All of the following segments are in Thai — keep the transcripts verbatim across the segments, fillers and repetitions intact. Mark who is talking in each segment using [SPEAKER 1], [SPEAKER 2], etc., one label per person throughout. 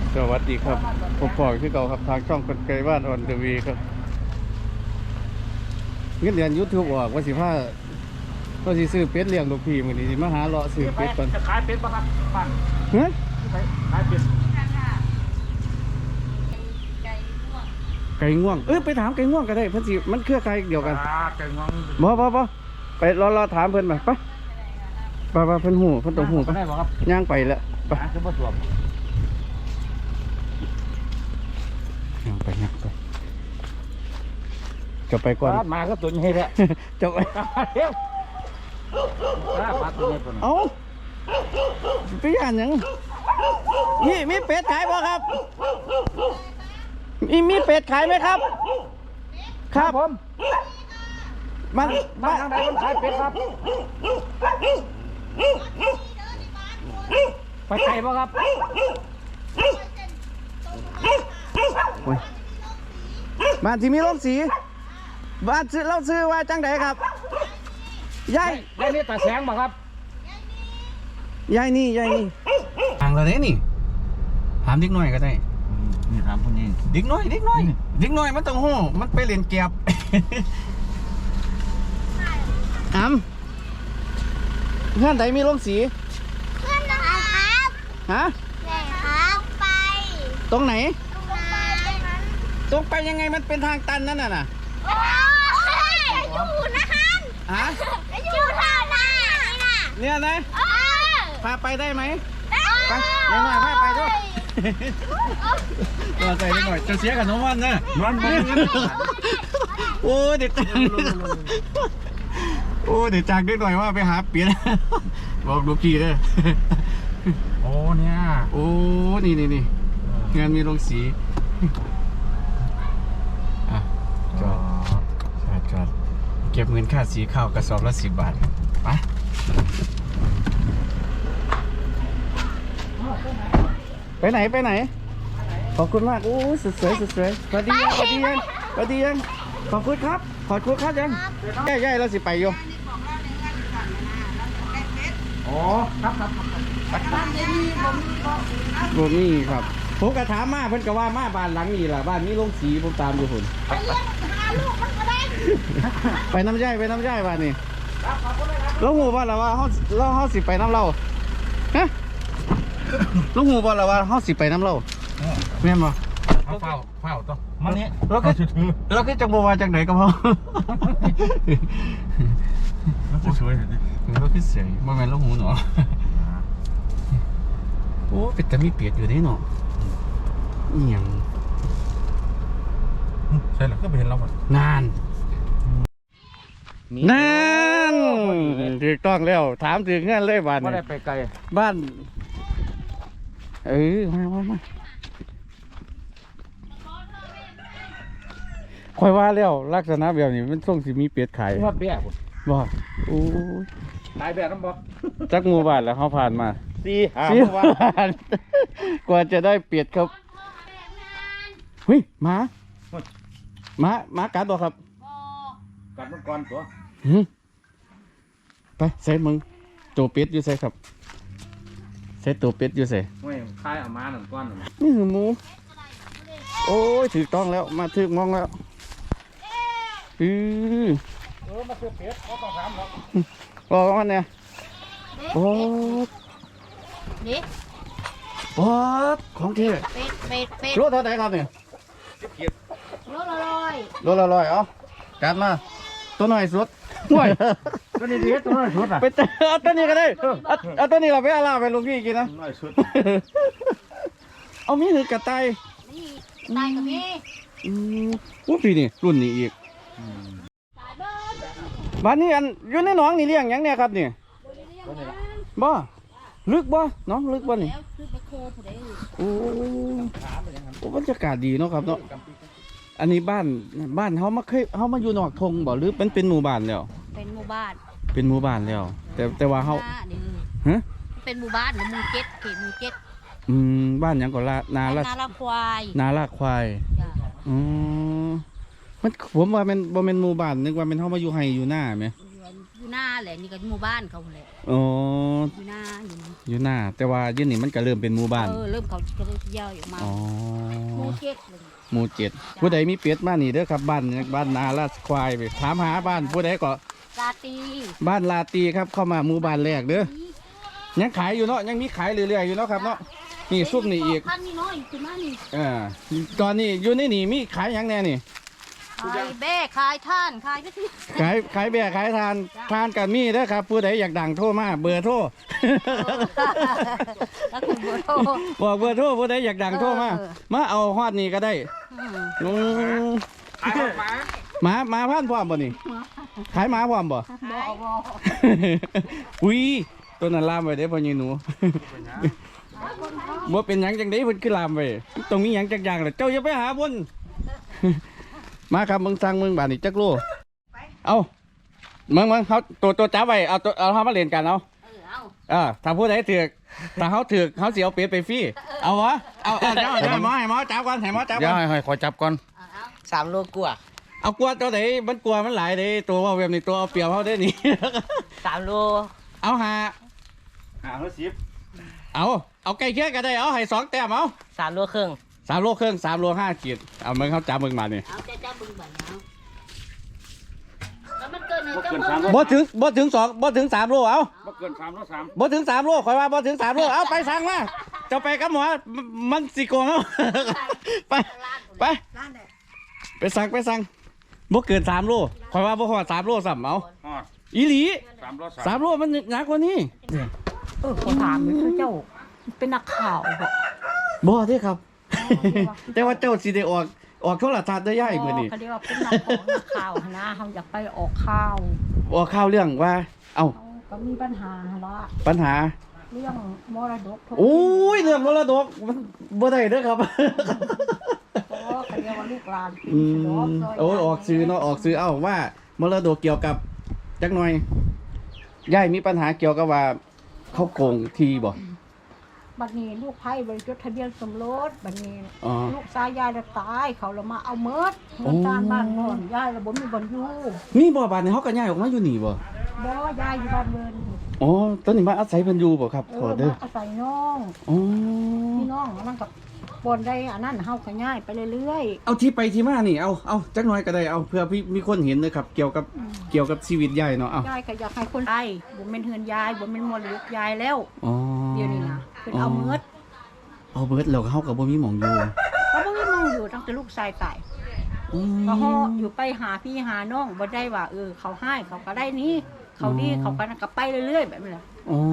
[SPEAKER 1] สวัสดีครับผมปอกที่เก่าครับทางช่องคนไกลบ้านออนเดวีครับเงินเดือนยูทูบออกว่าสิบห้าก็สิซื้อเป็ดเลี้ยงลูกพี่มือนี้มาหาเลาะซื้อเป็ดก่อน
[SPEAKER 2] จะขายเป็ดป่ะครับบ้าน
[SPEAKER 1] เฮ้ย
[SPEAKER 2] ขายเป็ด
[SPEAKER 1] ไก่ง่วงเออไปถามไก่ง่วงก็ได้เพิ่นสิมันเครือไก่เดียวกัน
[SPEAKER 2] ไก่ง่วง
[SPEAKER 1] บ่บ่บ่ไปรอรอถามเพิ่นมาไปไปไปเพิ่นหูเพิ่นต้องหูไป
[SPEAKER 2] ได้บ่ครับ
[SPEAKER 1] ย่างไปแล้วไป
[SPEAKER 2] คือบ่สวม
[SPEAKER 1] ย่างไปย่างไปจะไปก่อน
[SPEAKER 2] มาก็ตัวนี้แหละ
[SPEAKER 1] จะไปเอ้าไปย่านยังนี่มีเป็ดขายบ่ครับมีมีเป็ดขายไหมครับครับ
[SPEAKER 2] ผม
[SPEAKER 1] มัน
[SPEAKER 2] มาทางไหนมันขายเป็ดครับไปไกลบ่ครับ
[SPEAKER 1] บ้านที่มีโรงสีบ้านซื้อเราซื้อว่าจังไดครับยาย
[SPEAKER 2] ยายนี่ตาแสงบ่ครับ
[SPEAKER 1] ยายนี่ยายนี่ห่างเราได้นี่ถามเด็กน้อยก็ได้
[SPEAKER 2] นี่ถามคนนี้
[SPEAKER 1] เด็กน้อยเด็กน้อยเด็กน้อยมันต้องหู้มันไปเล่นเก็บอ้ำเพื่อนใดมีโรงสี
[SPEAKER 3] เพื่อนนะครับ
[SPEAKER 1] ฮะ
[SPEAKER 3] แม่ครับไป
[SPEAKER 1] ตรงไหน
[SPEAKER 3] ตรงไป
[SPEAKER 1] ตรงไปยังไงมันเป็นทางตันนั่นน่ะน่ะ
[SPEAKER 3] โอ้ยอยู่นะฮัน
[SPEAKER 1] ฮะ
[SPEAKER 3] อยู่ท่าหน้านี่นะ
[SPEAKER 1] เนี่ยนะพาไปได้ไหมไปเด็กน้อยพาไปด้วยเราใจนิดหน่อยจะเสียกับน้องวันนะ
[SPEAKER 2] มันมัน
[SPEAKER 1] โอ้เด็กโอ้เด็กจากนิดหน่อยว่าไปหาเปลี่ยนบอกลูกพี่เลย
[SPEAKER 2] โอ้เนี่ย
[SPEAKER 1] โอ้นี่นี่นี่งานมีโรงสีอ่ะจอดจอดจอดเก็บเงินค่าสีข้าวกระสอบละสิบบาทไปไปไหนไปไหนขอบคุณมากโอ้สุดสวยสุดสวยสวัสดียังสวัสดียังสวัสดียังขอบคุณครับขอบคุณครับยังใหญ่ใหญ่เราสิไปอยู่
[SPEAKER 2] อ๋อครับครับ
[SPEAKER 1] บ่มีครับผมกระถามมาเพิ่นก็ว่ามาบ้านหลังนี้ล่ะบ้านนี้โรงสีผมตามอยู่พุ่นไปน้ำย่ายไปน้ำย่ายบ้านนี้แล้วหูบ่ล่ะว่าเฮาเราเฮาสิไปน้ำเราฮะแล้วหูบ่ล่ะว่าเฮาสิไปน้ำเราแม่นบ่
[SPEAKER 2] เฝ้าเฝ้าต้องมันนี่
[SPEAKER 1] เราก็เราก็จังบ่ว่าจังไหนก็พอ
[SPEAKER 2] มันสวยๆเลย
[SPEAKER 1] เราคือเสียบ่แม่นแล้วหูเนาะโอ้เป็ดแต่มีเปียดอยู่นี่เนาะอีหยัง
[SPEAKER 2] ใช่หรอก็ไปเห็นเราหมด
[SPEAKER 1] นานนานถูกต้องแล้วถามถึงงานเลยบ้าน
[SPEAKER 2] ไม่ได้ไปไกล
[SPEAKER 1] บ้านเออมามามาคอยว่าแล้วลักษณะแบบนี้มันส่งสิมีเป็ดขาย
[SPEAKER 2] ว่าเบี้ย
[SPEAKER 1] บ่โอ้ย
[SPEAKER 2] ตายแบบน้ำบ่
[SPEAKER 1] จักหมู่บ้านแล้วเขาผ่านมา
[SPEAKER 2] สี่ห้า
[SPEAKER 1] วันกว่าจะได้เปียดครับเฮ้ยหมาหมาหมากัดบ่ครับ
[SPEAKER 2] กัดมันก่อนตัว
[SPEAKER 1] ไปใส่มึงตัวเป็ดอยู่ใส่ครับใส่ตัวเป็ดอยู่ใส่
[SPEAKER 2] ไม่คายเอามาหนึ่งก้อน
[SPEAKER 1] นี่คือหมูโอ้ยถูกต้องแล้วมาถึงมองแล้วอือ
[SPEAKER 2] เออมาเจอเป็ดเขาต้องถามหรอก
[SPEAKER 1] รอมันเนี่ยโอ้
[SPEAKER 3] นี่
[SPEAKER 1] โอ้ของเท่
[SPEAKER 3] เป็ดเป็ดเป็ด
[SPEAKER 1] รถเท่าไหร่ครับเนี่ย
[SPEAKER 3] รถละร้อย
[SPEAKER 1] รถละร้อยเอากัดมาตัวหน่อยสุดห่วย
[SPEAKER 2] ตัวนี้ดีตัวน้อยสุดอ่ะ
[SPEAKER 1] ไปเอาตัวนี้ก็ได้เอาตัวนี้เราไปอาลาไปลุงพี่กินนะ
[SPEAKER 2] น้อยสุด
[SPEAKER 1] เอามีหรือกระต่าย
[SPEAKER 3] นี่ตายกับพี่
[SPEAKER 1] อืมอู้พี่นี่รุ่นนี้อีกบ้านนี้อันอยู่ในหนองนี่เลี้ยงยังเนี่ยครับนี่บ่ลึกบ่น้องลึกบ่นี่โอ้โอ้บรรยากาศดีเนาะครับเนาะอันนี้บ้านบ้านเขามาเคยเขามาอยู่นอกทงบ่หรือเป็นเป็นหมู่บ้านแล้ว
[SPEAKER 3] เป็นหมู่บ้าน
[SPEAKER 1] เป็นหมู่บ้านแล้วแต่แต่ว่าเขา
[SPEAKER 3] ฮะเป็นหมู่บ้านหรือหมู่เจ็ดเขตหมู่เจ็ด
[SPEAKER 1] อืมบ้านยังก็ลานาละ
[SPEAKER 3] นาละควาย
[SPEAKER 1] นาละควายอ๋อมันผมว่ามันบ่เป็นหมู่บ้านนึกว่าเป็นเขามาอยู่ไฮอยู่หน้าไหม
[SPEAKER 3] อยู่หน้าแหละนี่ก็หมู่บ้านเขาแหละ
[SPEAKER 1] อ๋อ
[SPEAKER 3] อยู่หน้าอยู่นี่
[SPEAKER 1] อยู่หน้าแต่ว่าอยืนนี่มันก็เริ่มเป็นหมู่บ้าน
[SPEAKER 3] เออเริ่มเขาก็เริ่มย่อยออกมา
[SPEAKER 1] อ๋อ
[SPEAKER 3] หมู่เจ็ดเลย
[SPEAKER 1] หมู่เจ็ดผู้ใดมีเป็ดมานี่เด้อครับบ้านบ้านนาลาดควายไปถามหาบ้านผู้ใดก็
[SPEAKER 3] ลาตี
[SPEAKER 1] บ้านลาตีครับเข้ามาหมู่บ้านแรกเด้อยังขายอยู่เนาะยังมีขายเรื่อยๆอยู่เนาะครับเนาะนี่ซุปนี่อีก
[SPEAKER 3] พันนี่น้อยขึ้นมานี่
[SPEAKER 1] อ่าตอนนี้อยู่ในนี่มีขายหยังแน่นี่
[SPEAKER 3] ขายแบ้ขายท่านขายก็ที่
[SPEAKER 1] ขายขายแบะขายทานทานกันมีเด้อครับผู้ใดอยากดังโทรมาเบอร์โทร
[SPEAKER 3] แล้วคุณบัวโต
[SPEAKER 1] บอกเบอร์โทรผู้ใดอยากดังโทรมา
[SPEAKER 3] เออ
[SPEAKER 1] มาเอาฮอดนี่ก็ได้
[SPEAKER 3] อืม
[SPEAKER 1] อืม
[SPEAKER 2] ขายหมา
[SPEAKER 1] หมาหมาพันธุ์พร้อมบ่นี่ขายหมาพร้อมบ่
[SPEAKER 3] บ่บ่
[SPEAKER 1] อุ้ยตัวนั้นลามไปเด้อพ่อใหญ่หนู บ่เป็นหยังจังได๋เพิ่นคือลามไปต้องมีหยังจักอย่างแหละเจ้าอย่าไปหาบน มาครับมึงสั่งมึงบาดนี่จักโลเอามึงมึงเขาตัวตัวจับไว้เอาตัวเอาเฮามาเล่นกันเอา
[SPEAKER 3] เออเอา
[SPEAKER 1] เออถ้าผู้ใดถือกถ้าเฮาถือกเฮาสิเอาเป็ดไปฟรีเอาวะเอาเอาเจ้าเจ้าให้หมอให้หมอจับก่อนให้หมอจับ
[SPEAKER 2] เดี๋ย
[SPEAKER 1] ก่
[SPEAKER 2] ว
[SPEAKER 1] อน
[SPEAKER 2] ให้ขอจับก่อน
[SPEAKER 3] เอาเอา
[SPEAKER 4] สามโลกว่า
[SPEAKER 1] เอากลัวตัวไหนมันกลัวมันหลายเด้ตัวว่าแบบนี้ตัวเอาเปรียบเฮาได้นี่
[SPEAKER 4] สามโล
[SPEAKER 1] เอาหา
[SPEAKER 2] หาร้อยสิบ
[SPEAKER 1] เอาเอาใกล้เคียงก็ได้เอาให้สองแต้มเอา
[SPEAKER 4] สามโลครึ่ง
[SPEAKER 1] สามโลครึ่งสามโลห้าขีดเอามึงเขาจับมึงมานี่
[SPEAKER 3] เอาจะจับบึงบ่เอาแล้วมันเกินหนึ่ง
[SPEAKER 2] บ่
[SPEAKER 3] จะ
[SPEAKER 2] เกิน
[SPEAKER 3] เพิ่
[SPEAKER 2] สาม
[SPEAKER 3] ม
[SPEAKER 2] ร้อย
[SPEAKER 1] บ่ถึงบ่ถึงสองบ่ถึงสามโลเอา
[SPEAKER 2] บ่เกินสามร้อยสาม
[SPEAKER 1] บ่ถึงสามโลคอยว่าบ่ถึงสามโลเอาไปสั่งมาเจะไปกับหมอมมันสิโกงเอา ไปไปไปสั่งไปสั่งบ่เกินสามโลคอยว่าบ่ฮอดสามโลซ้ำเอา
[SPEAKER 2] ฮอด
[SPEAKER 1] อีหลี
[SPEAKER 2] สามร้อยสาม
[SPEAKER 1] สามโลมันหนักกว่านี้
[SPEAKER 5] เออเขาถามนี่คือเจ้าเป็นนักข่าวบอก
[SPEAKER 1] บ่เด้ครับ แต่ว่าเจ้าสิได้ออกออกโทรทัศน์ได้ย่ายมื้อนี้
[SPEAKER 5] เขาเรียกว่าเป็นนักของนักข่าวนะเขาอยากไปออกข่าว
[SPEAKER 1] ออกข่าวเรื่องว่า เอ้า
[SPEAKER 5] เขาก็มีปัญหาละ
[SPEAKER 1] ปัญหา
[SPEAKER 5] เรื่องมรดก
[SPEAKER 1] โอ้ยเรื่องมรดกมันบ่ได้เด้อครับ
[SPEAKER 5] เพราะว่าเขาเรียกว่าลูกหลาน
[SPEAKER 1] อืมโอ้ยออกซื้อเนาะออกซื้อเอ้าว่ามรดกเกี่ยวกับจักหน่อยยายมีปัญหาเกี่ยวกับว่าเขาโกงทีบ่
[SPEAKER 5] บัดนี้ลูกไผ่บริจดทะเบียนสมรสบัดนี้
[SPEAKER 1] อ๋อ
[SPEAKER 5] ลูกชายยายจะตายเขาเลยมาเอาเมิด
[SPEAKER 1] โอ้
[SPEAKER 5] เงินการบ้านนอนยายระบบมีบนอยู่
[SPEAKER 1] นี่บ่บาดนี้เฮาก็ย้ายออกมาอยู่นี่บ่
[SPEAKER 5] บ่ยายอยู่บ้านเบิน
[SPEAKER 1] อ๋อตอนนี้มาอาศัยเพิ่นอยู่บ่ครับ
[SPEAKER 5] เอ
[SPEAKER 1] ขอ
[SPEAKER 5] อ
[SPEAKER 1] เด้อ
[SPEAKER 5] มาอาศัยน้อง
[SPEAKER 1] อ๋อ
[SPEAKER 5] พี่น้องนั่นกับบนได้อันนั้นเฮาก็ย้ายไปเรื่อย
[SPEAKER 1] เอาที่ไปที่มานี่เอาเอาจักหน่อยก็ได้เอาเพื่อพี่มีคนเห็นนะครับ เกี่ยวกับเกี่ยวกับชีวิตยายเนาะเอา
[SPEAKER 5] ๆยายก็อยากให้คนไทยบ่แม่นเฮือนยายบ่แม่นมรดกยายแล้ว
[SPEAKER 1] อ๋อ
[SPEAKER 5] เดี๋ยวนี้นะเพิ่นเอาเมิด
[SPEAKER 1] เอาเบิดแล้วเฮาก็บ่มีหม่องอยู่
[SPEAKER 5] เขาบ่มีมองอยู่ตั้งแต่ลูกชายตาย
[SPEAKER 1] อืม
[SPEAKER 5] ก็ฮออยู่ไปหาพี่หาน้องบ่ได้ว่าเออเขาให้เขาก็ได้นี้เขาดี
[SPEAKER 1] อ๋อ
[SPEAKER 5] เขาก็ก็ไปเรื่อยๆแบบนี้แหละ
[SPEAKER 1] อ๋อย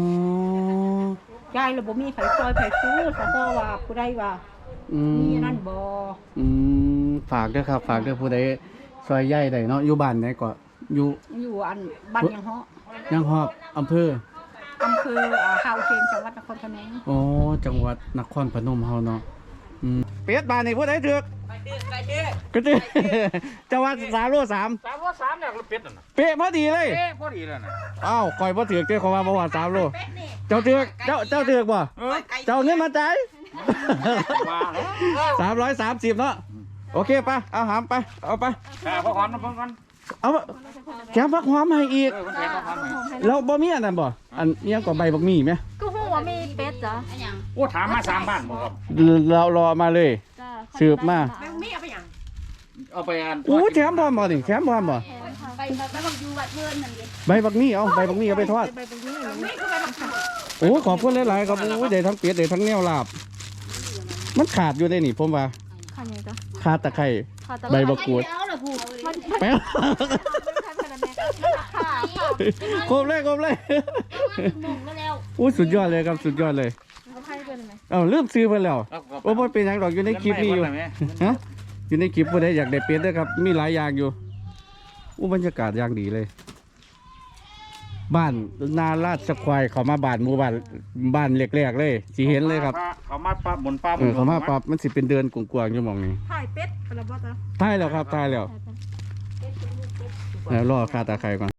[SPEAKER 5] ายเลยบ่มีไผซอยไผซื้อซะเพราะว่าผู้ใดว่า
[SPEAKER 1] อืม
[SPEAKER 5] มีนั่นบ่
[SPEAKER 1] อืมฝากเด้อครับ ฝากเด้อผู้ใดซอยใหญ่ใดเนาะอยู่บ้านไหนก็อยู่
[SPEAKER 5] อยู่อันบ้านยังเฮาะ
[SPEAKER 1] ยังฮอบอำเภอ
[SPEAKER 5] อำเภออ่าฮาวเชียงจังหวัดนครพนม
[SPEAKER 1] อ๋อจังหวัดนครพนมเฮาเนาะอืมเป็ดบ้านนี่ผู้ใดถือก
[SPEAKER 4] ไปดื้อไปดื้อ
[SPEAKER 1] ก็ถือ จังหวัดสามโลสาม
[SPEAKER 2] สามร้อยสามเนี่ยเป็ดน่ะนะ
[SPEAKER 1] เป๊ะพอดีเลย
[SPEAKER 2] เอ๊ะพอดีแล้วนะ
[SPEAKER 1] อ้าวข่อยบ่ถือกเจ้าเขาว่าบ่ว่าสามโลเจ้าถือกเจ้าเจ้าถือกบ่
[SPEAKER 2] เออ
[SPEAKER 1] เจ้าเงินมาจ่าย
[SPEAKER 2] ว่าแล้ว
[SPEAKER 1] สามร้อยสามสิบเนาะโอเคไปเอาหามไปเอาไป
[SPEAKER 2] หาพ่อขวัญมาเพิ่มกัน
[SPEAKER 1] เอาแถมผักหอมให้อีก
[SPEAKER 2] เออคนแทนพ่อขวัญมา
[SPEAKER 1] แล้วบ่มีอันนั้นบ่อันเนี้ยงก็ใบบักหมี่ไหม
[SPEAKER 5] ก็ฮู้ว่ามีเป็ดจ้ะ
[SPEAKER 3] อันหยัง
[SPEAKER 2] โอ้ถามมาสามบ้านบ่ครับ
[SPEAKER 1] เรารอมาเลย
[SPEAKER 5] จ้ะ
[SPEAKER 1] สืบมา
[SPEAKER 5] มีเอาไปหยัง
[SPEAKER 2] เอาไปอ่าน
[SPEAKER 1] อู้แถมพร้อมบ่นี่แถมพร้อมบ่
[SPEAKER 3] ไปแบบไปบอกอยู่วัดเพื่อนนั่นเอง
[SPEAKER 1] ใบบักหมี่เอาใบบักหมี่เอาไปทอด
[SPEAKER 5] ไปตรงนี้นี่คือไปบัก
[SPEAKER 1] โอ้ขอบคุณหลายๆครับโอ้ยได้ทั้งเป็ดได้ทั้งแนวลาบ มันขาดอยู่ได้นี่ผมว่า
[SPEAKER 5] คันนี้จ้ะ
[SPEAKER 1] ขาดตะไคร้
[SPEAKER 5] ค่ะแต่
[SPEAKER 1] ใบบักกูด
[SPEAKER 3] เอาละผู้มัน
[SPEAKER 1] แป๊บ
[SPEAKER 3] ค่ะ
[SPEAKER 1] ครบเลยครบเลย
[SPEAKER 3] มงแล้วแล้ว
[SPEAKER 1] อู้สุดยอดเลยครับสุดยอดเลย
[SPEAKER 5] ให้เป็นไหม
[SPEAKER 1] เอ้าลืมซื้อไปแล้ว
[SPEAKER 2] เอาเอา
[SPEAKER 1] โอ้บ่เป็นหยังดอกอยู่ในคลิปนี้อยู่
[SPEAKER 2] เงินไม่หมดเลยไหม
[SPEAKER 1] ฮะอยู่ในคลิปผู้ใดอยากได้เป็ดเด้อครับ มีหลายอย่างอยู่อู้บรรยากาศอย่างดีเลย บ้านนาลาดสควายเขามาบ้านหมู่บ้านบ้านเล็กๆเลยสิเห็นเลยครับ
[SPEAKER 2] เขามาปั๊บบนปั๊บ
[SPEAKER 1] เออเขามาปรับมันสิเป็นเดือนกวางๆอยู่หมองนี้
[SPEAKER 5] ถ่ายเป็ดกระบอกจ้ะ
[SPEAKER 1] ท้ายแล้วครับท้ายแล้วเดี๋ยวรอค่าตาไคร้ก่อน